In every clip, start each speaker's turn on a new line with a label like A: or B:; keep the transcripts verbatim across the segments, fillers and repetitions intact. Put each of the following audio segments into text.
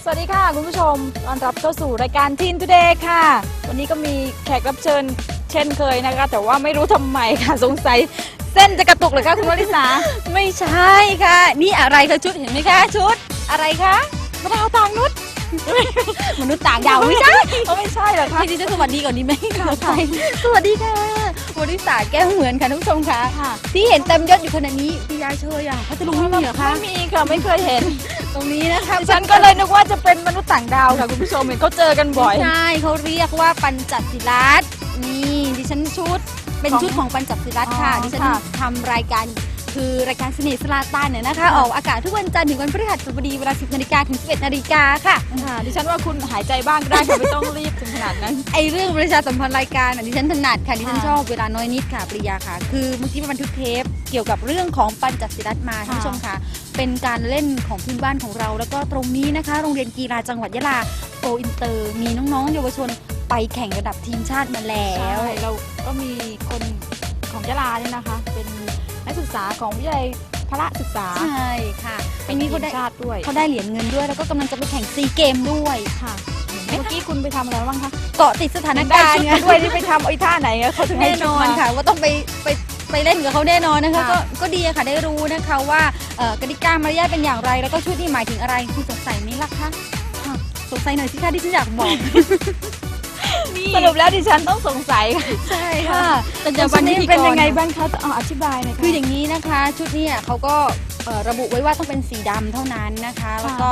A: สวัสดีค่ะคุณผู้ชมต้อนรับเข้าสู่รายการทีนทูเดย์ค่ะวันนี้ก็มีแขกรับเชิญเช่นเคยนะคะแต่ว่าไม่รู้ทำไมค่ะสงสัยเส้นจะกระตุกเลยค่ะคุณวริษา
B: ไม่ใช่ค่ะนี่อะไรคะชุดเห็นไหมคะชุดอะไรคะ
A: มะนาวต่างนุช
B: มนุษย์ต่างดาวไม่ใช่
A: ไม่ใช่เหรอคะ
B: พี่ดิฉันสวัสดีก่อนดีไหมค่ะสวัสดีค่ะวริษาแก้วเหมือนค่ะท่านผู้ชมค่ะที่เห็นเต็มยศอยู่ขนาดนี้พี่ยาเชยอ่ะพัทลุงไม่มีเหรอคะ
A: ไม่มีค่ะไม่เคยเห็น
B: ตรงนี้นะคะ
A: ฉันก็เลยนึกว่าจะเป็นมนุษย์ต่างดาวค่ะคุณผู้ชมเห็นเขาเจอกันบ่อย
B: ใช่เขาเรียกว่าปัญจศิรัตน์นี่ดิฉันชุดเป็นชุดของปัญจศิรัตน์ค่ะดิฉันทำรายการคือรายการเสน่ห์สลาตันเนี่ยนะคะออกอากาศทุกวันจันทร์ถึงวันพฤหัสบดีเวลาสิบนาฬิกาถึงสิบเอ็ดนาฬิกาค่ะ
A: ดิฉันว่าคุณหายใจบ้างก็ได้ค่ะไม่ต้องรีบถึงขนาดนั้น
B: ไอเรื่องประชาสัมพันธ์รายการดิฉันถนัดค่ะดิฉันชอบเวลาน้อยนิดค่ะปริยาค่ะคือเมื่อกี้เป็นบันทึกเทปเกี่ยวกับเรื่องของปัญจศิรัตน์มาท่านผู้ชมค่ะเป็นการเล่นของพื้นบ้านของเราแล้วก็ตรงนี้นะคะโรงเรียนกีฬาจังหวัดยะลาโปรอินเตอร์มีน้องๆเยาวชนไปแข่งระดับทีมชาติมาแล้ว
A: เราก็มีคนของยะลาเนี่ยนะคะเป็นนักศึกษาของวิทยาลัยพละศึกษา
B: ใช่ค่ะ
A: เป็นทีมชาติด้วย
B: เขาได้เหรียญเงินด้วยแล้วก็กำลังจะไปแข่งซีเกมด้วย
A: ค่ะเมื่อกี้คุณไปทำอะไรบ้างคะ
B: เกาะติดสถานการณ์
A: เนี่ยด้วยที่ไปทำไอ้ท่าไหนเขาถึง
B: แน่นอนค่ะว่าต้องไปไปไปเล่นกับเขาแน่นอนนะคะก็ก็ดีค่ะได้รู้นะคะว่ากติกามารยาทเป็นอย่างไรแล้วก็ชุดนี้หมายถึงอะไรคุณสงสัยไหมล่ะคะสงสัยหน่อยสิคะที่ฉันอยากบอก
A: สรุปแล้วดิฉันต้องสงสัย
B: ใช่ค่ะ
A: แต่วันนี้เป็นยังไงบ้างคะอธิบายหน่อย
B: คืออย่างนี้นะคะชุดนี้เขาก็ระบุไว้ว่าต้องเป็นสีดำเท่านั้นนะคะแล้วก็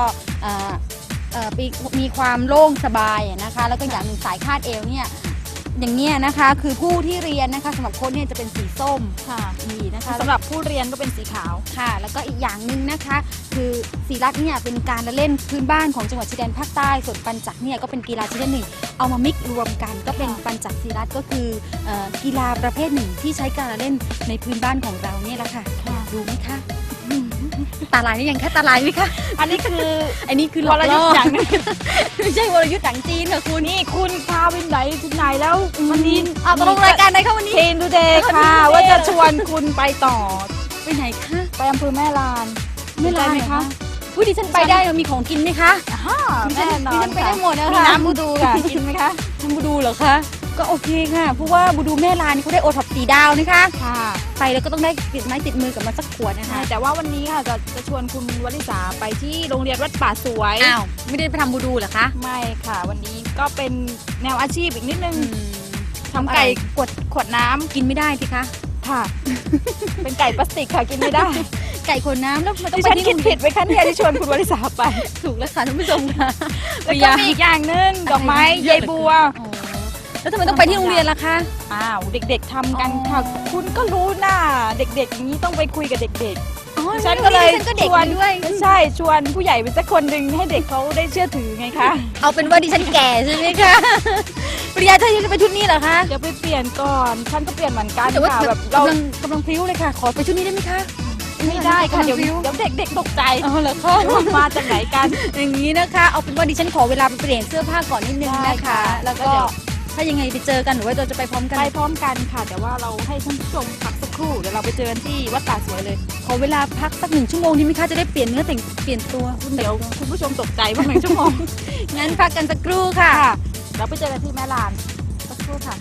B: มีความโล่งสบายนะคะแล้วก็อย่างหนึ่งสายคาดเอวเนี่ยอย่างนี้นะคะคือผู้ที่เรียนนะคะสำหรับคนเนี่ยจะเป็นสีส้ม
A: ค่ะ
B: นี่นะคะ
A: สำหรับผู้เรียนก็เป็นสีขาว
B: ค่ะแล้วก็อีกอย่างหนึ่งนะคะคือศิรัตน์เนี่ยเป็นการเล่นพื้นบ้านของจังหวัดชายแดนภาคใต้ส่วนปัญจักเนี่ยก็เป็นกีฬาชนิดหนึ่งเอามามิกรวมกันก็เป็นปัญจักศิรัตน์ก็คือกีฬาประเภทหนึ่งที่ใช้การเล่นในพื้นบ้านของเราเนี่ยแหละค่ะดูไหมคะตาลายนี่ยังแค่ตาลายไหมคะ
A: อันนี้คือ
B: อันนี้คือ
A: วรยุทธ์หนัง
B: ไม่ใช่วรยุทธ์หนังจีนค่ะคุณ
A: นี่คุณพาวินไหนถึงไหนแล้ววันนี้
B: เอาตกลงรายการไหนคะวันนี้
A: ทีนทูเดย์ค่ะว่าจะชวนคุณไปต่อ
B: ไปไหนคะ
A: ไปอำเภอแม่ลาน
B: แม่ลานไหมคะผู้ดิฉันไปได้มีของกินไหมคะ
A: แน่นอน
B: ดิฉันไปได้หมดนะคะมี
A: น้ำบูดูค่ะกินไหมคะ
B: น้ำบูดูเหรอคะก็โอเคค่ะเพราะว่าบูดูแม่ลานเขาได้โอท็อปสีดาวนะคะ
A: ค่ะ
B: ไปแล้วก็ต้องได้ติดไม้ติดมือกับมาสักขวดนะคะ
A: แต่ว่าวันนี้ค่ะจะจะชวนคุณวริษาไปที่โรงเรียนวัดป่าสวย
B: อ้าวไม่ได้ไปทำบูดูเหรอคะ
A: ไม่ค่ะวันนี้ก็เป็นแนวอาชีพอีกนิดนึงทำไก่ขวดขวดน้ำ
B: กินไม่ได้สิคะ
A: ค่ะเป็นไก่พลาสติกค่ะกินไม่ได้
B: ไก่ขวดน้ำแล้วมันต้อง
A: ไปที่กินผิดไปคะเนี่ยที่ชวนคุณวริษาไป
B: ถูกแล้วค่ะท่านผู้ชมค่ะ
A: แล้วก็มีอีกอย่างนึงดอกไม้ใยบัว
B: แล้วทำไมต้องไปที่โรงเรียนล่ะคะ
A: อ้าวเด็กๆทำกันค่ะคุณก็รู้น่าเด็กๆอย่างนี้ต้องไปคุยกับเด็กๆฉันก็เลยชวนด้วยใช่ชวนผู้ใหญ่เป็นสักคนหนึ่งให้เด็กเขาได้เชื่อถือไงคะ
B: เอาเป็นว่าดิฉันแก่ใช่ไหมคะปริยาเธอจะไปชุดนี้เหรอคะ
A: เดี๋ยวไปเปลี่ยนก่อนฉันก็เปลี่ยนเหมือนกัน
B: ค่ะแบบเรากำลังกำลังพลิ้วเลยค่ะขอไปชุดนี้ได้ไหมคะ
A: ไม่ได้ค่ะเดี๋ยวเดี๋ยวเด็กๆตกใจ
B: อ๋อเหรอคะ
A: มาจากไหนกัน
B: อย่างนี้นะคะเอาเป็นว่าดิฉันขอเวลาไปเปลี่ยนเสื้อผ้าก่อนนิดนึงนะคะแล้วก็ถ้ายังไงไปเจอกันหรือว่าเราจะไปพร้อมกัน
A: ไปพร้อมกันค่ะแต่ว่าเราให้ท่านผู้ชมพักสักครู่เดี๋ยวเราไปเจอกันที่วัดป่าสวยเลย
B: ขอเวลาพักสักหนึ่งชั่วโมงดีไหมคะจะได้เปลี่ยนเนื้อแต่งเปลี่ยนตัว
A: เดี๋ยวคุณผู้ชมตกใจว่าหนึ่งชั่วโมง
B: งั้นพักกันสักครู่ค่ะ
A: เราไปเจอกันที่แม่ลานสักครู่ค่ะ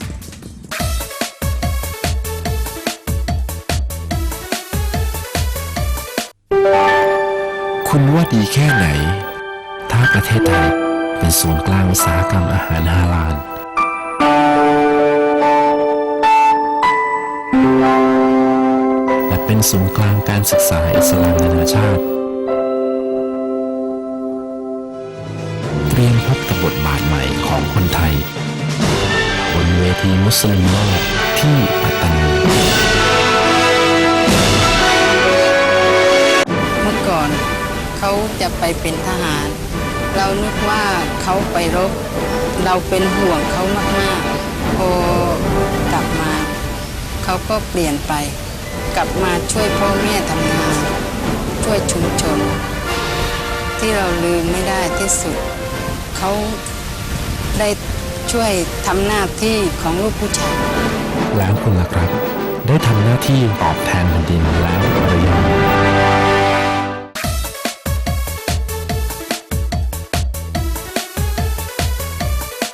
C: คุณว่าดีแค่ไหนถ้าประเทศไทยเป็นศูนย์กลางอุตสาหกรรมอาหารฮาลาลและเป็นศูนย์กลางการศึกษาอิสลามนานาชาติเตรียมพบกับบทบาทใหม่ของคนไทยบนเวทีมุสลิมโลกที่ปัตตานี
D: เมื่อก่อนเขาจะไปเป็นทหารเรานึกว่าเขาไปรบเราเป็นห่วงเขามากๆพอกลับมาเขาก็เปลี่ยนไปกลับมาช่วยพ่อแม่ทำงานช่วยชุมชนที่เราลืมไม่ได้ที่สุดเขาได้ช่วยทำหน้าที่ของลูกผู้ชาย
C: แล้วคุณล่ะครับได้ทำหน้าที่ตอบแทนแผ่นดินแล้วหรือยัง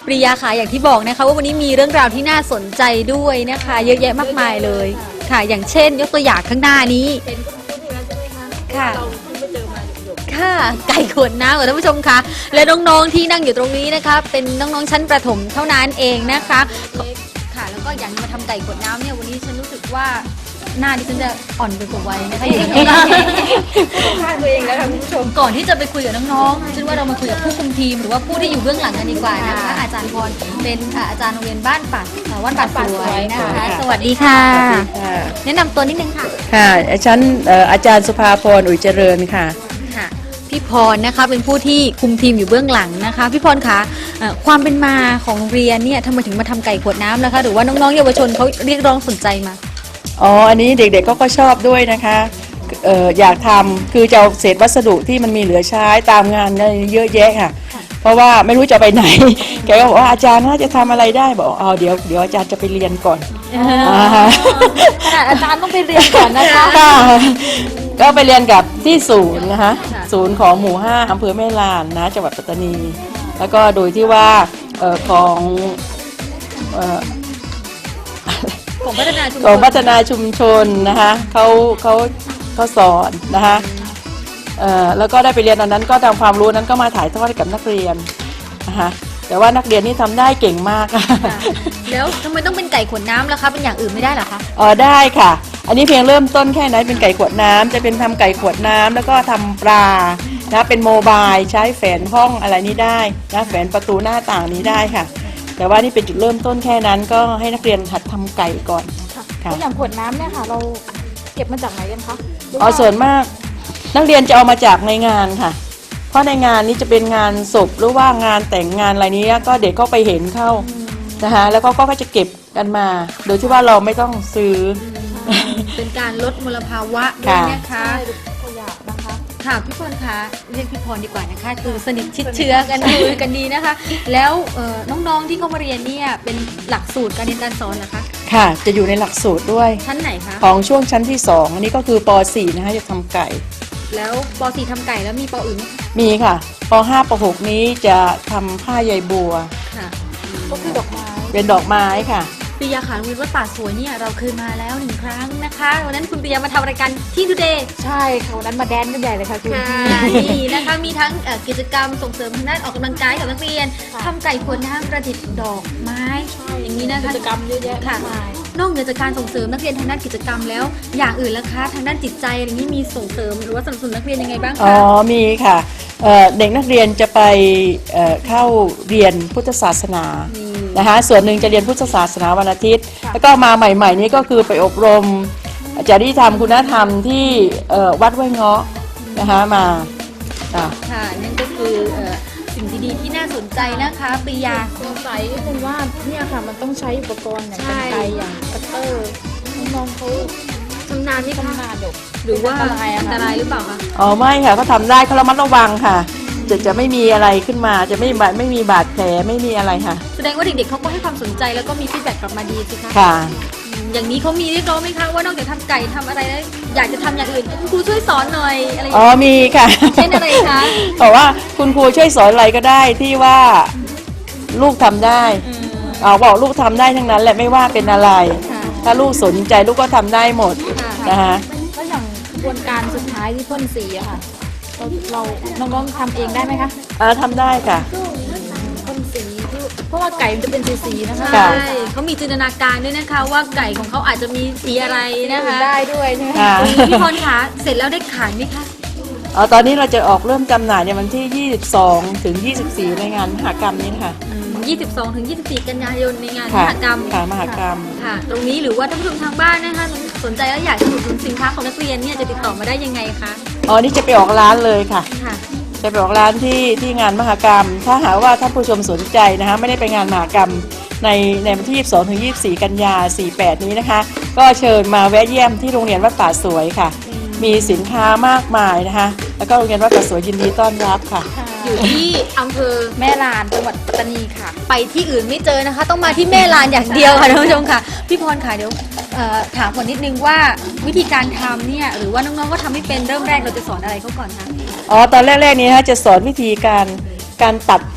B: ปริยาค่ะอย่างที่บอกนะคะว่าวันนี้มีเรื่องราวที่น่าสนใจด้วยนะคะเยอะแยะมากมายเลยค่ะอย่างเช่นยกตัวอย่างข้างหน้านี้เป็นค่ะค่ะไก่ขวดน้ำค่ะท่านผู้ชมคะและน้องๆที่นั่งอยู่ตรงนี้นะคะเป็นน้องๆชั้นประถมเท่านั้นเองนะคะค่ะแล้วก็อย่างมาทำไก่ขวดน้ำเนี่ยวันนี้ฉันรู้สึกว่าหน้าดิฉันจะอ่อนไปกว่าวัยนะคะอย่างนี้ข้างตัวเองแล้วค่ะคุณผู้ชมก่อนที่จะไปคุยกับน้องๆฉันว่าเรามาคุยกับผู้คุมทีมหรือว่าผู้ที่อยู่เบื้องหลังกันดีกว่านะคะอาจารย์พรเป็นอาจารย์โรงเรียนบ้านป่าวัดป่าสวยนะคะสวัสดีค่ะแนะนำตัวนิดนึงค่ะ
E: ค่ะฉันอาจารย์สุภาพรอุ๋ยเจริญค่ะ
B: ค่ะพี่พรนะคะเป็นผู้ที่คุมทีมอยู่เบื้องหลังนะคะพี่พรคะความเป็นมาของโรงเรียนเนี่ยทำไมถึงมาทำไก่ขวดน้ำนะคะหรือว่าน้องๆเยาวชนเขาเรียกร้องสนใจมา
E: อ๋ออันนี้เด็กๆ ก็ก็ชอบด้วยนะคะเอ่ออยากทำคือจะเอาเศษวัสดุที่มันมีเหลือใช้ตามงานเยอะแยะค่ะเพราะว่าไม่รู้จะไปไหนแกก็บอกว่าอาจารย์น่าจะทำอะไรได้บอกอ๋อเดี๋ยวเดี๋ยวอาจารย์จะไปเรียนก่อน
B: ขนาดอาจารย์ต้องไปเรียนก่อนนะคะ
E: ก็ไปเรียนกับที่ศูนย์นะคะศูนย์ของหมู่ห้าอำเภอแม่ลานนะจังหวัดปัตตานีแล้วก็โดยที่ว่าเอ่อของเอ่อ
B: ของพัฒนาชุมชน
E: ของพัฒนาชุมชนนะคะเขาเขาเขาสอนนะคะเอ่อแล้วก็ได้ไปเรียนอันนั้นก็นำความรู้นั้นก็มาถ่ายทอดให้กับนักเรียนนะคะแต่ว่านักเรียนนี่ทำได้เก่งมาก
B: แล้วทำไมต้องเป็นไก่ขวดน้ำล่ะคะเป็นอย่างอื่นไม่ได้หรอคะ
E: อ๋อได้ค่ะอันนี้เพียงเริ่มต้นแค่นั้นเป็นไก่ขวดน้ำจะเป็นทำไก่ขวดน้ำแล้วก็ทำปลานะเป็นโมบายใช้แฝนห้องอะไรนี้ได้นะแฝนประตูหน้าต่างนี้ได้ค่ะแต่ว่านี่เป็นจุดเริ่มต้นแค่นั้นก็ให้นักเรียนหัดทำไก่ก่อน
A: ค่ะอย่างขวดน้ำเนี่ยค่ะเราเก็บมาจากไหนกันคะ
E: อ๋อส่วนมากนักเรียนจะเอามาจากในงานค่ะเพราะในงานนี้จะเป็นงานศพหรือว่างานแต่งงานอะไรนี้ก็เด็กก็ไปเห็นเข้านะคะแล้วก็ก็จะเก็บกันมาโดยที่ว่าเราไม่ต้องซื้อ
B: เป็นการลดมลภาวะด้วยนะคะขยะนะคะค่ะพี่พรคะเรียกพี่พรดีกว่านะคะคือสนิทชิดเชื้อกันคุยกันดีนะคะแล้วน้องๆที่เขามาเรียนเนี่ยเป็นหลักสูตรการเรียนการสอนเหรอคะ
E: ค่ะจะอยู่ในหลักสูตรด้วย
B: ชั้นไหนคะ
E: ของช่วงชั้นที่สองอันนี้ก็คือป สี่นะคะจะทำไก่
B: แล้วป สี่ทำไก่แล้วมีป อื่นไหม
E: มีค่ะป ห้า ป หกนี้จะทำผ้าใยบัว
B: ค่ะ
A: ก็คือดอกไม้
E: เป็นดอกไม้ค่ะ
B: ปริยาค่ะโรงเรียนวัดป่าสวยเนี่ยเราเคยมาแล้วหนึ่งครั้งนะคะวันนั้นคุณปริยามาทำรายการที่ทูเดย์
A: ใช่ค่ะวันนั้นมาแดนกันใหญ่เลยค่ะคุณ
B: นี่นะคะมีทั้งกิจกรรมส่งเสริมทางด้านออกกำลังกายกับนักเรียนทำไก่ขวดน้ำประดิษฐ์ดอกไม้อย่างนี้นะคะ
A: กิจกรรมเยอะแยะ
B: ค่ะนอกเหนือจากการส่งเสริมนักเรียนทางด้านกิจกรรมแล้วอย่างอื่นล่ะคะทางด้านจิตใจอะไรนี้มีส่งเสริมหรือว่าสนับสนุนนักเรียนยังไงบ้างคะ
E: อ๋อมีค่ะเด็กนักเรียนจะไปเข้าเรียนพุทธศาสนานะคะส่วนหนึ่งจะเรียนพุทธศาสนาวันอาทิตย์แล้วก็มาใหม่ๆนี้ก็คือไปอบรมจริยธรรมคุณธรรมที่วัดห้วยเงาะนะคะมา
B: ค่ะนั่นก็คือสิ่งดีๆที่น่าสนใจนะคะปริยา
A: สงสัยคุณว่าเนี่ยค่ะมันต้องใช้อุปกรณ์อย่างกรรไกรอย่างคัตเตอร์น้องเขา
B: ชำนาญไม่
A: ชำนาญหรอก
B: หรือว่าอันตรายหรือเปล่าคะ
E: อ๋อไม่ค่ะเขาทำได้เขาระมัดระวังค่ะจะจะไม่มีอะไรขึ้นมาจะไม่บาดไม่มีบาดแผลไม่มีอะไรค่ะ
B: แสดงว่าเด็กๆเขาก็ให้ความสนใจแล้วก็มีฟีดแบ็กกลับมาดีสิคะ
E: ค่ะ
B: อย่างนี้เขามีเรียกร้องไหมคะว่านอกจากทำไก่ทำอะไรแล้วอยากจะทำอย่างอื่นคุณครูช่วยสอนหน่อยอะไร
E: อ๋อมีค่ะ
B: เช่นอะไรคะ
E: บอกว่าคุณครูช่วยสอนอะไรก็ได้ที่ว่าลูกทำได้อ๋อบอกลูกทำได้ทั้งนั้นแหละไม่ว่าเป็นอะไรถ้าลูกสนใจลูกก็ทำได้หมดนะคะ
A: แล้วอย่างกระบวนการสุดท้ายที่พ่นสีอะค่ะเราน้องๆทำเองได้ไหมคะ
E: อ่าทำได้ค่ะ
A: พ่นสีเพราะว่าไก่มันจะเป็นสีๆนะคะ
B: ใช่เขามีจินตนาการด้วยนะคะว่าไก่ของเขาอาจจะมีสีอะไรนะคะ
A: ได้ด้วยใช่ไหม
B: พี่พรคะเสร็จแล้วได้ขายไหมคะ
E: อ๋อตอนนี้เราจะออกเริ่มจำหน่ายในวันที่ยี่สิบสองถึงยี่สิบสี่ในงานมหกรรมนี้นะคะ
B: ยี่สิบสองถึงยี่สิบสี่กันยายนในงานมหกรรม
E: ค่ะมหกรรม
B: ค่ะตรงนี้หรือว่าท่านผู้ชมทางบ้านนะคะสนใจแล้วอยากจะอุดหนุนสินค้าของนักเรียนเนี่ยจะติดต่อมาได้ยังไงคะ
E: อ๋อนี่จะไปออกร้านเลยค่ะจะไปออกร้านที่ที่งานมหกรรมถ้าหากว่าท่านผู้ชมสนใจนะคะไม่ได้ไปงานมหกรรมในในวันที่ยี่สิบสองถึงยี่สิบสี่กันยาสี่สิบแปดนี้นะคะก็เชิญมาแวะเยี่ยมที่โรงเรียนวัดป่าสวยค่ะมีสินค้ามากมายนะคะแล้วก็โรงเรียนวัดป่าสวยยินดีต้อนรับค่ะ
B: อยู่ที่อำเภอ
A: แม่ลานจังหวัดปัตตานีค่ะ
B: ไปที่อื่นไม่เจอนะคะต้องมาที่แม่ลานอย่างเดียวค่ะท่านผู้ชมค่ะพี่พรค่ะเดี๋ยวถามก่อนนิดนึงว่าวิธีการทำเนี่ยหรือว่าน้องๆก็ทำไม่เป็นเริ่มแรกเราจะสอนอะไรเขาก่อนคะ
E: อ๋อตอนแรกๆนี้นะคะจะสอนวิธีการการตัด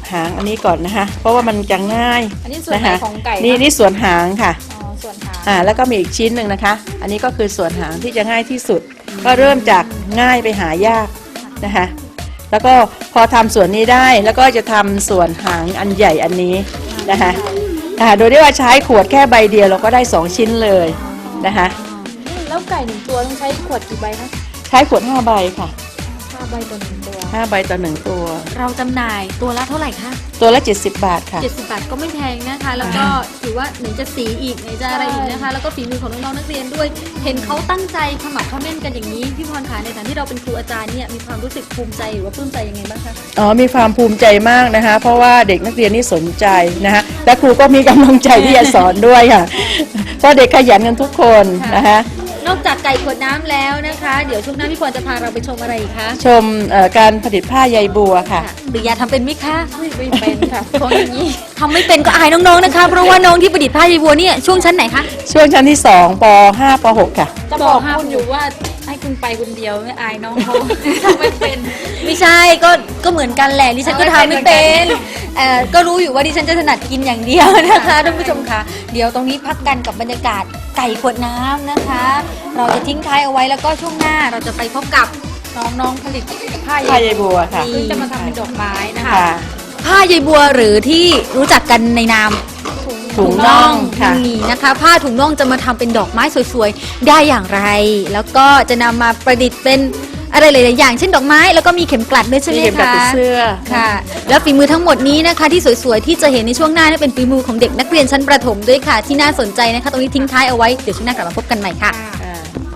E: หางอันนี้ก่อนนะคะเพราะว่ามันจะง่าย
A: อันนี้ส่วนไหน
E: นะคะ
A: ของไก่คะ
E: นี่นี่ส่วนหางค่ะ
A: อ๋อส่วนหาง
E: อ่าแล้วก็มีอีกชิ้นหนึ่งนะคะ อันนี้ก็คือส่วนหางที่จะง่ายที่สุด ก็เริ่มจากง่ายไปหายากนะคะแล้วก็พอทำส่วนนี้ได้แล้วก็จะทำส่วนหางอันใหญ่อันนี้นะคะอ่าโดยที่ว่าใช้ขวดแค่ใบเดียวเราก็ได้สองชิ้นเลยนะคะ
A: แล้วไก่หนึ่งตัวต้องใช้ขวดกี่ใบคะ
E: ใช้ขวดห้าใบค่ะ
A: ห้าใบต่อหนึ่งตัว
E: ห้าใบต่อหนึ่งตัว
B: เราจำหน่ายตัวละเท่าไหร่คะ
E: ตัวละเจ็ดสิบบาทค่ะ
B: เจ็ดสิบบาทก็ไม่แพงนะคะ แล้วก็ถือว่าไหนจะสีอีกไหนจะอะไรอีกนะคะ แล้วก็ฝีมือของน้องๆนักเรียนด้วย เห็นเขาตั้งใจขมักเขม้นกันอย่างนี้พี่พรคะในฐานะที่เราเป็นครูอาจารย์เนี่ยมีความรู้สึกภูมิใจหรือว่าปลื้มใจยังไงบ้างคะ
E: อ๋อมีความภูมิใจมากนะคะ เพราะว่าเด็กนักเรียนนี่สนใจนะคะและครูก็มีกำลังใจที่จะสอนด้วยค่ะ เพราะเด็กขยันกันทุกคนนะคะ
B: นอกจากไก่ขวดน้ำแล้วนะคะ เดี๋ยวช่วงหน้าพี่พรจะพาเราไปชมอะไรอีกคะ
E: ชมเอ่อการผลิตผ้าใยบัวค่ะ
B: หรือยาทำเป็นไหมคะ
A: ไม่เป็นค่ะเพราะอย่างนี้
B: ทำไม่เป็นก็อายน้องๆนะคะ เพราะว่าน้องที่ประดิษฐ์ผ้าใยบัวเนี่ยช่วงชั้นไหนคะ
E: ช่วงชั้นที่สองปห้าปหกค่ะ
A: จะบอกคุณอยู่ว่าให้คุณไปคนเดียวไม่อายน้องเขาทำไม่เป็น
B: ไม่ใช่ก็ก็เหมือนกันแหละดิฉันก็ทำไม่เป็นเอ่อก็รู้อยู่ว่าดิฉันจะถนัดกินอย่างเดียวนะคะท่านผู้ชมคะเดี๋ยวตรงนี้พักกันกับบรรยากาศไก่ขวดน้ำนะคะ เราจะทิ้งท้ายเอาไว้แล้วก็ช่วงหน้าเราจะไปพบกับ
A: น้องๆผลิตผ้า
E: ผ้าใยบัวค่ะ
A: ซึ่งจะมาทำเป็นดอกไม้นะคะ
E: ค่ะ
B: ผ้าใยบัวหรือที่รู้จักกันในนาม
E: ถุงน่องค่ะ
B: นี่นะคะ ผ้าถุงน่องจะมาทำเป็นดอกไม้สวยๆได้อย่างไร แล้วก็จะนำมาประดิษฐ์เป็นอะไรหลายๆอย่างเช่นดอกไม้แล้วก็มีเข็มกลัดด้วยใช่ไหม
E: มีเข็มกลัด
B: คะ
E: ติดเสื้อ
B: ค่ะ แล้วฝีมือทั้งหมดนี้นะคะที่สวยๆที่จะเห็นในช่วงหน้านี่เป็นฝีมือของเด็กนักเรียนชั้นประถมด้วยค่ะที่น่าสนใจนะคะตรงนี้ทิ้งท้ายเอาไว้เดี๋ยวช่วงหน้ากลับมาพบกันใหม่ค่ะ
E: อ่า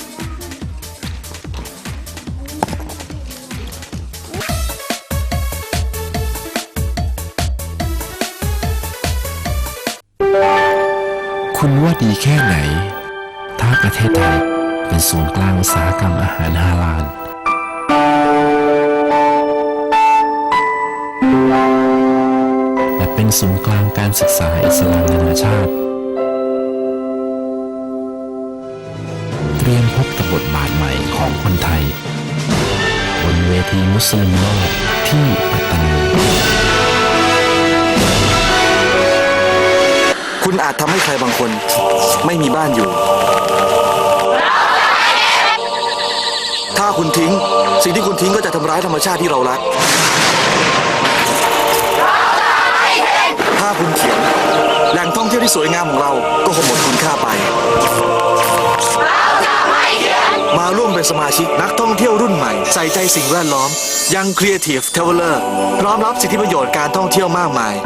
C: คุณว่าดีแค่ไหน ถ้าประเทศไทยเป็นศูนย์กลางอุตสาหกรรมอาหารฮาลาลและเป็นศูนย์กลางการศึกษาอิสลามนานาชาติ เตรียมพบกับบทบาทใหม่ของคนไทย บนเวทีมุสลิมโลกที่ปัตตานี
F: คุณอาจทำให้ใครบางคนไม่มีบ้านอยู่ ถ้าคุณทิ้ง สิ่งที่คุณทิ้งก็จะทำร้ายธรรมชาติที่เรารัก ถ้าคุณเขียนแหล่งท่องเที่ยวที่สวยงามของเราก็คงหมดคุณค่าไป มาร่วมเป็นสมาชิกนักท่องเที่ยวรุ่นใหม่ใส่ใจสิ่งแวดล้อมยัง Creative Traveler พร้อมรับสิทธิประโยชน์การท่องเที่ยวมากมาย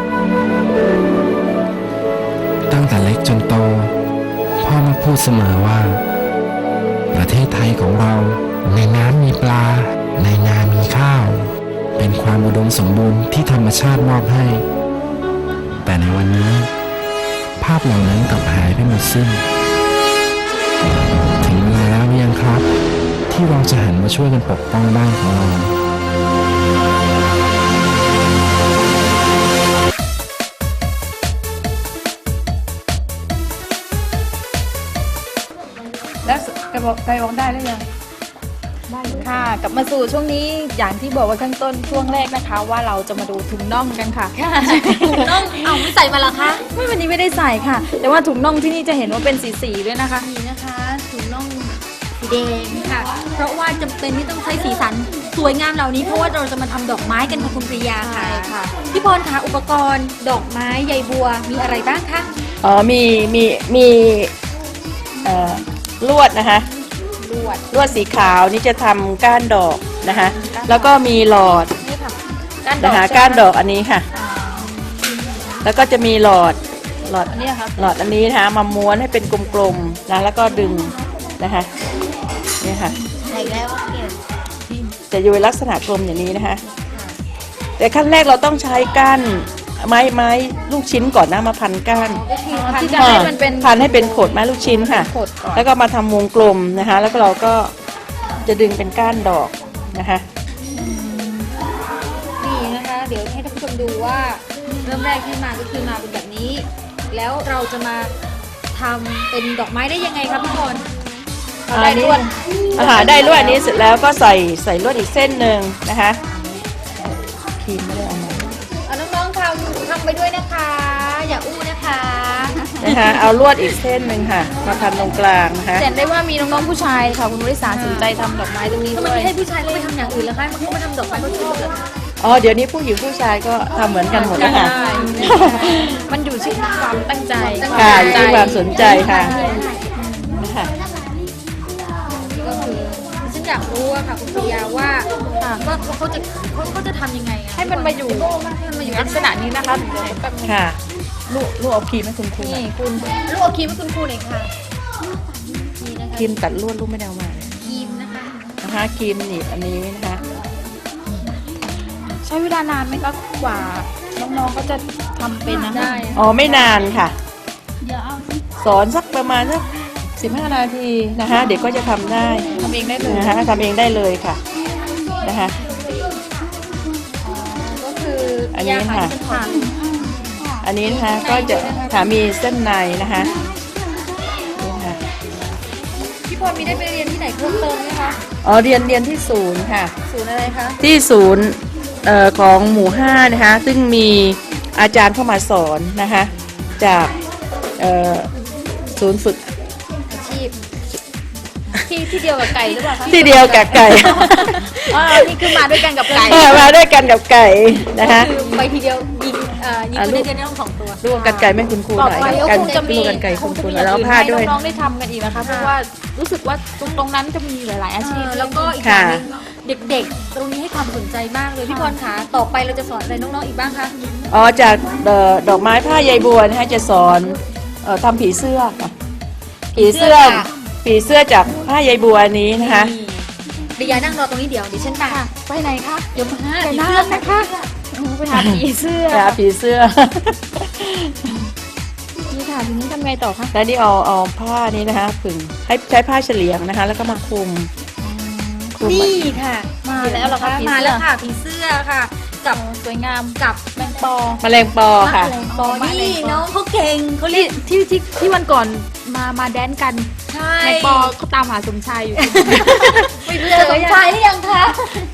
C: ตั้งแต่เล็กจนโต พ่อมักพูดเสมอว่า ประเทศไทยของเรา ในน้ำมีปลา ในนามีข้าว เป็นความอุดมสมบูรณ์ที่ธรรมชาติมอบให้ แต่ในวันนี้ ภาพเหล่านั้นกลับหายไปหมดสิ้น ถึงเวลาแล้วหรือยังครับ ที่เราจะหันมาช่วยกันปกป้องบ้านของเรา
E: แล้วกระบอกไก่บอกได้หรือยัง
A: ค่ะกลับมาสู่ช่วงนี้อย่างที่บอกไว้ข้างต้นช่วงแรกนะคะ ว่าเราจะมาดูถุงน่องกันค่ะ
B: ถุงน่องเอาไม่ใส่มาเหรอคะ
A: ไม่วันนี้ไม่ได้ใส่ค่ะ แต่ว่าถุงน่องที่นี่จะเห็นว่าเป็นสีๆด้วยนะคะ
B: นี่นะคะถุงน่องสีแดงค่ะ เพราะว่าจำเป็นที่ต้องใช้สีสันสวยงามเหล่านี้เพราะว่าเราจะมาทำดอกไม้กันค่ะคุณปริยาค่ะ
A: ใช่ค่ะ
B: พี่พรคะอุปกรณ์ดอกไม้ใยบัวมีอะไรบ้างคะ
E: อ๋อมีมีมีเอ่อลวดนะคะ
A: ลวด
E: ลวดสีขาวนี่จะทำก้านดอกนะคะแล้วก็มีหลอด
A: นี่ค่ะก้านดอก
E: นะคะ
A: ใช่ไหม
E: ก้านดอกอันนี้ค่ะ แล้วก็จะมีหลอดหลอด
A: อันนี้ค่ะ
E: หลอดอันนี้นะคะมาม้วนให้เป็นกลมๆนะแล้วก็ดึงนะคะนี่ค่ะ
B: ไหนแล้วเกี่ยว
E: จะอยู่ในลักษณะกลมอย่างนี้นะคะแต่ขั้นแรกเราต้องใช้ก้านไม้ไม้ลูกชิ้นก่อนนะมาพันก้าน
A: ก็คือพันที่จะให้มันเป็น
E: พันให้เป็นโขดไม้ลูกชิ้นค่ะ
A: โขดก่อน
E: แล้วก็มาทำวงกลมนะคะ แล้วก็เราก็จะดึงเป็นก้านดอกนะคะ
B: นี่นะคะ เดี๋ยวให้ท่านผู้ชมดูว่าเริ่มแรกที่มาก็คือมาเป็นแบบนี้ แล้วเราจะมาทำเป็นดอกไม้ได้ยังไงคะพี่พรเราได้ลวด
E: อาหารได้ลวดอันนี้เสร็จแล้วก็ใส่ใส่ลวดอีกเส้นหนึ่งนะคะครีมไม่ได้เอามา
B: เอาน้องๆคะไปด้วยนะคะ อย่าอู้นะคะ
E: นะคะเอาลวดอีกเส้นหนึ่งค่ะมาพันตรงกลางนะคะ
A: เห็นได้ว่ามีน้องๆผู้ชายค่ะคุณบริษาสนใจทำดอกไม้ตรงนี้
B: ทำไม
A: ด้วย
B: ไม่ให้ผู้ชายเขาไปทำอย่างอื่นล่ะคะมันเขามาทำดอกไม้เขาชอบเหรอ
E: อ๋อเดี๋ยวนี้ผู้หญิงผู้ชายก็ทำเหมือนกันหมดแล้วค่ะ
A: มันอยู่ที่ความตั้งใจ
E: ค่ะอยู่ที่ความสนใจค่ะนะคะ
B: ก็คือฉันอยากรู้อะค่ะคุณปริยาว่าว่าเขาจะเขาเขาจะทำยังไงอะ
A: ให้มันมาอยู่
B: ให้มันมาอยู่
A: ลักษณะนี้นะคะเดี๋ยวแป๊บนึง
E: ค่ะลูกลูกเอาครีมให้คุณครู
A: นี่คุณ
B: ลูกเอาครีมให้คุณครูหน่อยค่ะนี่นะคะ
E: ครีมตัดลวดลูกไม่ได้เอามาเลย
B: ครีมนะคะ
E: นะคะครีมหนีบอันนี้นะคะ
A: ใช้เวลานานไหมคะกว่าน้องๆเขาจะทำเป็นนะ
B: ได้
E: อ๋อไม่นานค่ะ สอนสักประมาณสักสิบห้านาทีนะคะ เด็กก็จะทำได้
A: ทำเองได้เลย
E: นะคะทำเองได้เลยค่ะนะคะ
B: ก็คือ
E: อันนี้ค่ะ
B: ยาขายที่ฉันท
E: อันนี้นะคะก็จะถามีเส้นในนะคะนี่ค่ะ
B: ำพี่พรมีได้ไปเรียนที่ไหนเพิ่มเติมไหมคะ
E: อ๋อเรียนเรียนที่ศูนย์ค่ะ
B: ศูนย์อะไรคะ
E: ที่ศูนย์เอ่อของหมู่ห้านะคะซึ่งมีอาจารย์เข้ามาสอนนะคะจากเอ่อศูนย์ฝึก
B: อาชีพที่ที่เดียวกับไก่หรือเปล่าคะ
E: ที่เดียวกับไก่
A: อ๋อนี่คือมาด้วยกันกับไก่
E: เออมาด้วยกันกับไก่นะคะ
B: คือไปทีเดียวยิงเอ่อยิง
E: อ่ะ
B: คน
E: ลูก
B: เดียวในต้องสองตัว
E: ร่วมกันไก่แม่คุณครู
A: ต่อ
E: หน่อย
A: ไปก็
E: กัน
A: คงจะมี
E: ร่วมกันไก่
A: ค
E: คุ
A: ง
E: ณค
A: จะ
E: รู
A: มี
E: หน่อยแล้ว
A: อื่น
E: ผ้า
A: ให้
E: ด้วย
A: น้องๆได้ทำกันอีกนะคะเพราะว่ารู้สึกว่าตรงตรงนั้นจะมีหลายๆอาชีพ
B: เออแล้วก็อีกอย่างหนึงเด็กๆ ตรงนี้ให้ความสนใจมากเลยพี่พรคะต่อไปเราจะสอนอะไรน้องๆอีกบ้างคะ
E: อ๋อจากเอ่อดอกไม้ผ้าใยบัวนะคะจะสอนเอ่อทำผีเสื้อค่ะผีเสื้อผีเสื้อจากผ้าใยบัวนี้นะคะ
B: ปริยานั่งรอตรงนี้เดี๋ยวดิฉันไป
A: ไปไหนคะ
B: เดี๋ยวมา
A: ไป
B: ผี
A: นั่
B: เสื้อง
A: นะคะ ไปหาผีเสื้อ
E: ค่ะผีเสื้อ
A: นี่ค่ะทีนี้ทำไงต่อคะ
E: แล้วนี่เอาเอาผ้านี้นะคะผึ่งให้ใช้ผ้าเฉลียงนะคะ แล้วก็มาคลุมคลุม
B: นี่ค่ะ
A: มาแล้วเหรอคะผี
B: มา
A: เสื้อ
B: แล้วค่ะผีเสื้อค่ะ กับ
A: สวยงาม
B: กับ
A: แมงปอ
E: แมลงปอค่ะ
B: แมลงปอนี่น้องเขาเก่งเขาเรี
A: ที่
B: ยก
A: ที่ที่ที่วันก่อนมามาแดนกัน
B: ใช่
A: แมงปอเขาตามหาสมชายอยู่
B: ไม่เจอสมชายหรือยังคะ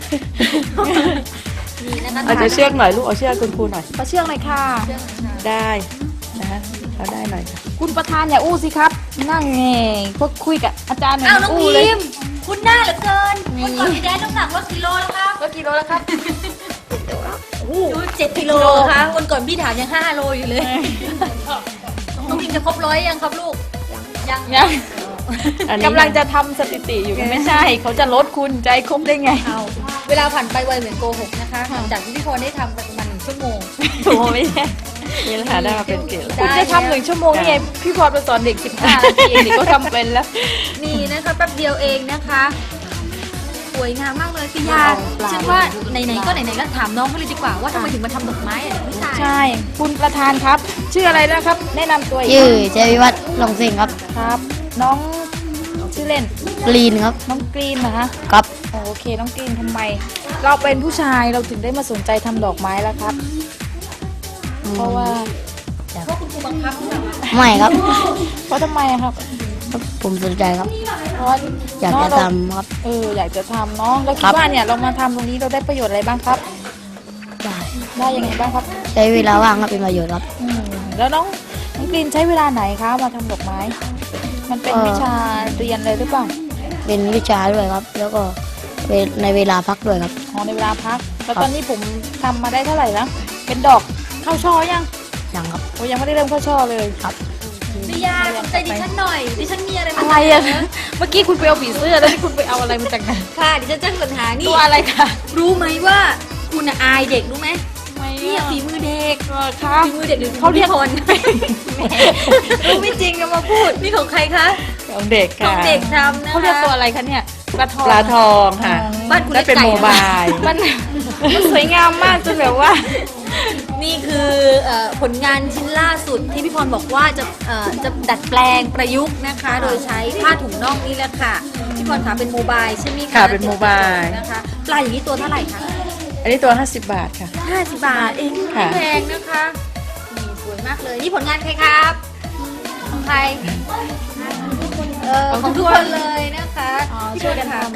B: นี่นะคะ
E: เอาจะเชือกหน่อยลูกเอาเชือกคุณครูหน่อย
A: มาเชื่องเลยค่ะ
B: เชือกนะคะ
E: ได้นะคะเอาได้หน่อยค่ะ
A: คุณประธานอย่าอู้สิครับ นั่งไงพวกคุยกับอาจารย์หน่อย
B: อ้าวน้อง
A: อู้
B: พิ
A: เลย
B: มคุณหน้าเหลือเกินวันก่อนพี่แดนน้ำหนักว่ากิโลแล้วครับ
A: ก็กิโลแล้วครับ
B: ดูเจ็ดกิโลค่ะวันก่อนพี่ถามยังห้าโลอยู่เลยน้องพิมจะครบร้อยยังครับลูกยัง
A: ยัง
E: อันนี้
A: กำลังจะทำสถิติอยู่ไม่ใช่ เขาจะลดคุณใจครบได้ไง
B: เอาเวลาผ่านไปไวเหมือนโกหกนะคะหลังจากที่พี่พรได้ทำไปประมาณหนึ่งชั่วโมง
A: โอ้ไม่ใช่
E: นี่แหละค่ะได้มาเป็นเกล็ดแล้ว
A: คุณจะทำหนึ่งชั่วโมงนี่ไงพี่พรไปสอนเด็กสิบห้านาทีเองเด็กก็ทำเป็นแล้ว
B: นี่นะคะแป๊บเดียวเองนะคะสวยงามมากเลยพี่ยาฉันว่าไหนๆก็ไหนๆแล้วถามน้องเขาเลยดีกว่าว่าทำไมถึงมาทำดอกไม้อะพี่ชาย
A: ใช่ คุณประธานครับ ชื่ออะไรนะครับ แนะนำตัวอีก
G: ชื่อเจวิวัฒน์ลงเซ็งครับ
A: ครับ น้องชื่อเล่น
G: กรีนครับ
A: น้องกรีนนะคะ
G: ครับ
A: โอเค น้องกรีนทำไม เราเป็นผู้ชายเราถึงได้มาสนใจทำดอกไม้แล้วครับ เพราะว่า
B: เพราะคุณครูบังคับหรือเปล่าคะ
G: ไม่ครับ
A: เพราะทำไมอะครับ
G: ผมสนใจครับ
A: เพราะ
G: อยากจะ
A: เนะเรา
G: ทำครับ
A: เอออยากจะทำเนาะเราคิ
G: ครั
A: ด
G: บ
A: ว่าเนี่ยเรามาทำตรงนี้เราได้ประโยชน์อะไรบ้างครับ
G: ได้
A: ได้ยังไงบ้างครับ
G: ใช้เวลาว่างก็เป็นประโยชน์ครับ
A: อืมแล้วน้องน้องกรีนใช้เวลาไหนคะมาทำดอกไม้ มันเป็น
G: เอ่อ
A: วิชาเรียนเลยหรือเปล่า
G: เป็นวิชาด้วยครับ แล้วก็เป็นในเวลาพักด้วยครับ
A: อ๋อในเวลาพัก แล้ว
G: ครับ
A: ตอนนี้ผมทำมาได้เท่าไหร่แล้วเป็นดอกเข้าช่อยัง
G: ยังครับ
A: โอ้ยังไม่ได้เริ่มเข้าช่อเลย
G: ครับ
B: พี่ยาสนใจดิฉันหน่อยดิฉันมีอะไรมา
A: อะไรอะเมื่อกี้คุณไปเอาผีเสื้อแล้วนี่คุณไปเอาอะไรมาจากไหน
B: ค่ะดิฉันจะปัญหานี่
A: ตัวอะไรคะ
B: รู้ไหมว่าคุณน่ะอายเด็กรู้ไหม
A: ไม่
B: เนี่ยฝีมือเด็ก
A: เออครับ
B: ฝีมือเด็กหรือ
A: เขาเรียก
B: คน รู้ไม่จริงอะมาพูดนี่ของใครคะ
E: ของเด็ก
B: ขอ
E: ค่ะ
B: งเด็กทำนะคะ
A: เขาเรียกตัวอะไรคะเนี่ยปลาทอง
E: ปลาทองค่ะ
B: บ้านคุณ
E: และเป็น
B: ไก่
E: โมบาย
A: มันมันสวยงามมากจนแบบว่า
B: นี่คือเอ่อผลงานชิ้นล่าสุดที่พี่พรบอกว่าจะเอ่อจะดัดแปลงประยุกต์นะคะ โดยใช้ผ้าถุงน่องนี่แหละค่ะพี่พรขาเป็นโมบายใช่ไหมคะ
E: ค่ะเป็นโมบาย
B: นะคะปลาอย่างนี้ตัวเท่าไหร่คะ
E: อันนี้ตัวห้าสิบบาทค่ะ
B: ห้าสิบบาทเอง
E: ค่ะ
B: ไม่แพงนะคะนี่สวยมากเลยนี่ผลงานใครครับของใครเออของทุกคนเลยนะคะ
A: อ๋อ
B: พี่
A: ช่
B: พ
A: วย
B: ร
A: กัน
B: ค่ะ
A: ทำ
B: การที่เรา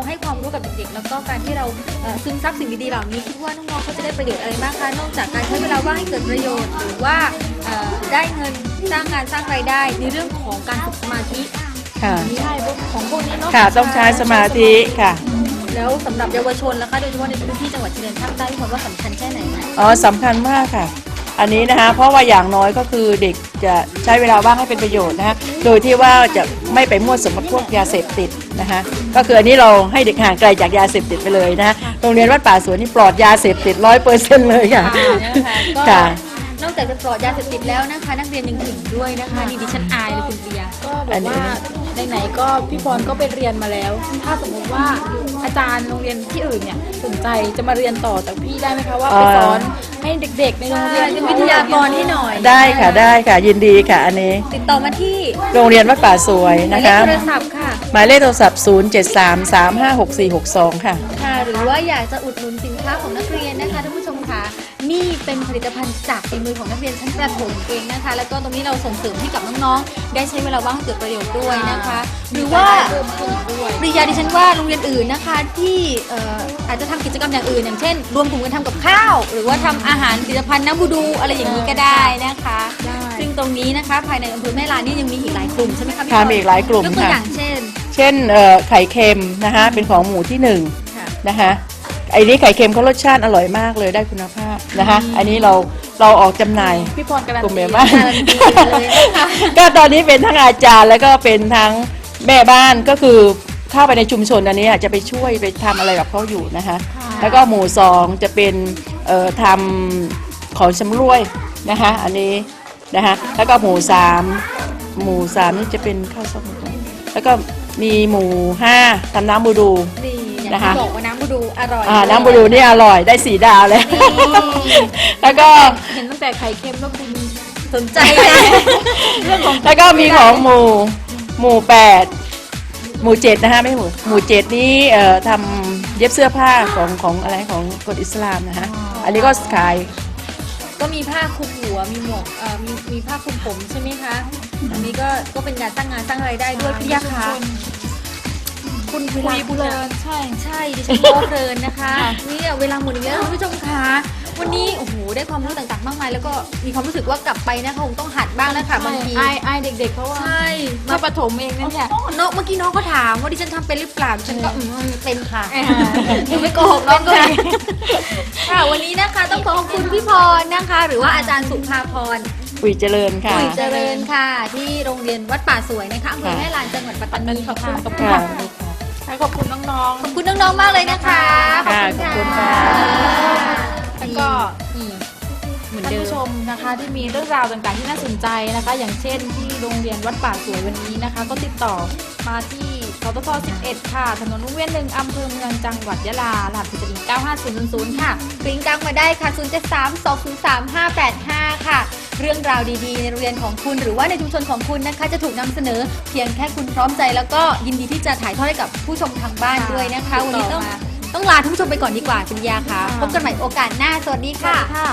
B: ให้ความรู้กับเด็กๆแล้วก็การที่เราเอ่อซึมซับสิ่งดีๆเหล่านี้คิดว่าน้องๆเขาจะได้ประโยชน์อะไรบ้างคะนอกจากการใช้เวลาว่างให้เกิดประโยชน์หรือว่าเอ่อได้เงินสร้างงานสร้างรายได้ในเรื่องของการฝึกสมาธิ
E: ค่ะ
A: ใช่พวกของพวกนี้เนาะ
E: ค่ะต้องใช้สมาธิค่ะ
B: แล้วสำหรับเยาวชนล่ะคะโดยเฉพาะในพื้นที่จังหวัดชายแดนภาคใต้พี่พรว่าสำคัญแค่ไหนคะ
E: อ๋อสำคัญมากค่ะ อันนี้นะคะเพราะว่าอย่างน้อยก็คือเด็กจะใช้เวลาว่างให้เป็นประโยชน์นะคะโดยที่ว่าจะไม่ไปมั่วสุมกับพวกยาเสพติดนะคะก็คืออันนี้เราให้เด็กห่างไกลจากยาเสพติดไปเลยนะคะโรงเรียนวัดป่าสวนนี่ปลอดยาเสพติดร้อยเปอร์เซ็นต์เลยค่ะ
B: ก็
E: ค่ะ
B: นอกจากจะปลอดยาเสพติดแล้วนะคะ นักเรียนยังถึงด้วยนะคะนี่ดิฉันอายเลยคุณเบียร์
A: ก็แบบว่าไหนๆก็พี่พรก็ไปเรียนมาแล้ว ถ้าสมมติว่าอาจารย์โรงเรียนที่อื่นเนี่ยสนใจจะมาเรียนต่อจากพี่ได้ไหมคะว่าไปสอนให้เด็กๆในโรงเรียน
B: เป็นวิทยากรให้หน่อย
E: ได้ค่ะได้ค่ะยินดีค่ะอันนี้
B: ติดต่อมาที่
E: โรงเรียนวัดป่าสวย
B: หมาย
E: นะ
B: เลข
E: คะ
B: โทรศัพท์ค่ะ
E: หมายเลขโทรศัพท์ ศูนย์ เจ็ด สาม สาม ห้า หก สี่ หก สอง ค่ะ
B: ค่ะหรือว่าอยากจะอุดหนุนสินค้าของนักเรียนนะคะท่านผู้ชมค่ะนี่เป็นผลิตภัณฑ์จากฝีมือของนักเรียนชั้นประถมเองนะคะ แล้วก็ตรงนี้เราส่งเสริมให้กับน้องๆได้ใช้เวลาว่างให้เกิดประโยชน์ด้วยนะคะ หรือว่าปริยาดิฉันว่าโรงเรียนอื่นนะคะที่เอ่ออาจจะทำกิจกรรมอย่างอื่นอย่างเช่น รวมกลุ่มกันทำกับข้าว หรือว่าทำอาหารผลิตภัณฑ์น้ำบูดูอะไรอย่างนี้ก็ได้นะคะ ซึ่งตรงนี้นะคะภายในอำเภอแม่ลานี่ยังมีอีกหลายกลุ่มใช่ไหมคะพี่
E: ค่ะ
B: พร
E: มีอีกหลายกลุ่ม
B: ยกตัว
E: ค่ะ
B: อย่างเช่น
E: เช่นเอ่อไข่เค็มนะคะเป็นของหมู่ที่หนึ่ง
B: ค่ะ
E: นะคะไอ้นี้ไข่เค็มเขารสชาติอร่อยมากเลยได้คุณภาพนะคะอันนี้เราเราออกจำหน่าย
A: พี่พรการัน
E: กลุ่ม
A: ตี
E: แม่บ้าน
B: การันตีเลยนะคะ
E: ก็ตอนนี้เป็นทั้งอาจารย์แล้วก็เป็นทั้งแม่บ้านก็คือเข้าไปในชุมชนอันนี้จะไปช่วยไปทำอะไรกับเขาอยู่นะคะแล้วก็หมู่สองจะเป็นเอ่อทำของชำร่วยนะคะอันนี้นะคะแล้วก็หมู่สามหมู่สามนี่จะเป็นข้าวซอยแล้วก็มีหมู่ห้าทำน้ำบูดู
B: นี่อย่าง
E: นะคะ
B: ที่บอกว่าน้ำบูดูอร่อย
E: อ่าน้ำบูดูนี่อร่อยได้สีดาวเลย แล้วก็
A: เห็นตั้งแต่ไข่เค็มแล้วคุณ
B: สนใจนะ
A: เรื่องของ
E: แล้วก็มีของหมู่หมู่แปดหมู่เจ็ดนะคะไม่ใช่หมู่หมู่เจ็ดนี้เอ่อทำเย็บเสื้อผ้าของของอะไรของกฎอิสลามนะคะอันนี้ก็ขาย
B: ก็มีผ้าคลุมหัวมีหมวกเอ่อมีมีผ้าคลุมผมใช่ไหมคะอันนี้ก็ก็เป็นการสร้างงานสร้างรายได้ด้วยพี่ยาคะคุณเวลาคุณ
A: เพลิ
B: อะ
A: นใช่
B: ใช่ดิฉันก็เพลินนะคะนี่เวลาหมดอีกแล้วคุณผู้ชมคะวันนี้โอ้โหได้ความรู้ต่างๆมากมายแล้วก็มีความรู้สึกว่ากลับไปนะคงต้องหัดบ้างแล้วค่ะบางที
A: ไอไอายเด็กๆเขาว่า
B: ใช่
A: มาปฐมเองนะเนี่ย
B: น้องเมื่อกี้น้องก็ถามว่าดิฉันทำเป็นหรือเปล่าดิฉันก็อืมเป็นค่ะ
A: อ่า
B: ยังไม่โกหกน้องก็มีค่ะวันนี้นะคะต้องขอขอบคุณพี่พรนะคะ หรือว่าอาจารย์สุภาพร
E: อุยเจริญค่ะ
B: อุยเจริญค่ะ ที่โรงเรียนวัดป่าสวยนะคะอำเภอแม่ลานจังหวัดปัตตานี
A: ขอบคุ
B: ค่ะ
A: ณขอบคุณ
E: ค่ะ
A: ค่ะขอบคุณน้อง
B: ขอบคุณน้องๆมากเลยนะคะ
E: ค่ะขอบคุณค่ะ
A: ๆแล้วก็
B: นี่เหมือน
A: ท่าน
B: เดิม
A: ผู้ชมนะคะที่มีเรื่องราวต่างๆที่น่าสนใจนะคะ อย่างเช่นที่โรงเรียนวัดป่าสวยวันนี้นะคะ ก็ติดต่อมาที่สตฟสิบเอ็ดค่ะถนนวงเวียนหนึ่งอำเภอเมืองจังหวัดยะลารหัสพิจารณาเก้าห้าศูนย์ศูนย์ค่ะ
B: กริ้งกังมาได้ค่ะ ศูนย์ เจ็ด สาม สอง ศูนย์ สาม ห้า แปด ห้า ค่ะ เรื่องราวดีๆ ในโรงเรียนของคุณหรือว่าในชุมชนของคุณนะคะ จะถูกนำเสนอเพียงแค่คุณพร้อมใจแล้วก็ยินดีที่จะถ่ายทอดให้กับผู้ชมทางบ้านด้วยนะคะ วันนี้ต้องต้องลาท่านผู้ชมไปก่อนดีกว่าคุณยาค่ะ พบกันใหม่โอกาสหน้า สวัสดีค่ะ
A: ค่ะ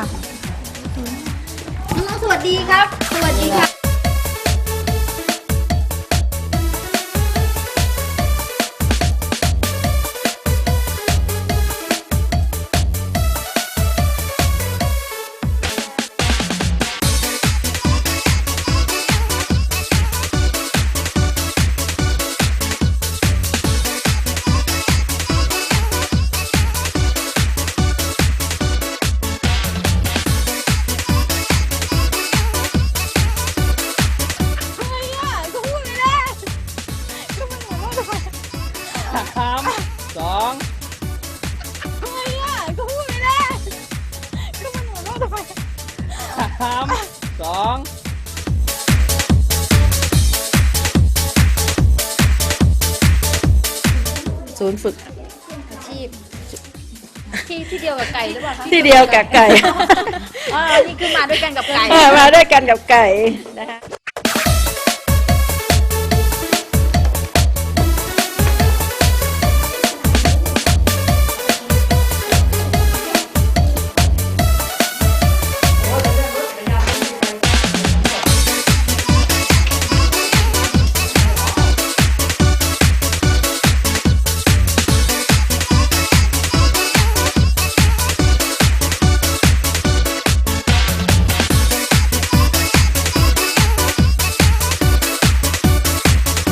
B: น้องๆสวัสดีครับ สวัสดีค่ะ
H: สามสองสามสอง
E: ศูนย์ฝึก
B: อาชีพที่ที่เดียวกับไก่หรือเปล่าคะ
E: ที่เดียวกับไก่
B: อ๋อนี่คือมาด้วยกันกับไก่
E: มาด้วยกันกับไก่นะคะ